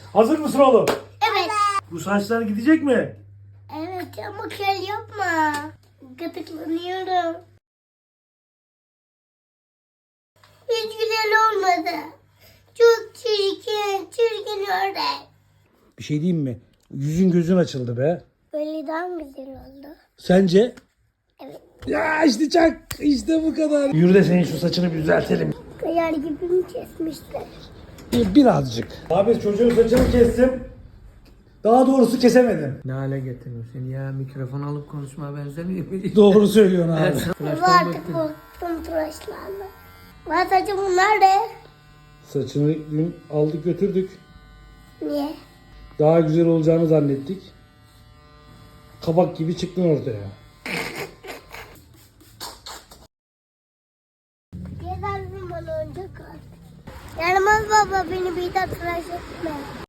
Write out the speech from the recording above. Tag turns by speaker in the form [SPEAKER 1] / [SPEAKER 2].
[SPEAKER 1] Hazır mısın oğlum?
[SPEAKER 2] Evet.
[SPEAKER 1] Bu saçlar gidecek mi?
[SPEAKER 2] Evet ama kel yapma. Gıdıklanıyorum. Hiç güzel olmadı. Çok çirkin, çirkin ördek.
[SPEAKER 1] Bir şey diyeyim mi? Yüzün gözün açıldı be.
[SPEAKER 2] Böyle daha mı güzel oldu?
[SPEAKER 1] Sence?
[SPEAKER 2] Evet.
[SPEAKER 1] Ya işte çak. İşte bu kadar. Yürü de senin şu saçını bir düzeltelim.
[SPEAKER 2] Kıyar gibi mi kesmişler?
[SPEAKER 1] Birazcık. Abi çocuğun saçını kestim. Daha doğrusu kesemedim.
[SPEAKER 3] Ne hale getirdin seni ya? Mikrofon alıp konuşmaya benzemiyor mu?
[SPEAKER 1] Doğru söylüyorsun abi.
[SPEAKER 3] Evet,
[SPEAKER 2] Bu
[SPEAKER 3] tıraştan
[SPEAKER 2] artık
[SPEAKER 3] bıktım.
[SPEAKER 2] korktum tıraşlarla. Ben saçım bunlar ne?
[SPEAKER 1] Saçını dün aldık götürdük.
[SPEAKER 2] Niye?
[SPEAKER 1] Daha güzel olacağını zannettik. Kabak gibi çıktın ortaya.
[SPEAKER 2] Yeter bana önce kal. Yaramaz baba beni bir daha tıraş etme.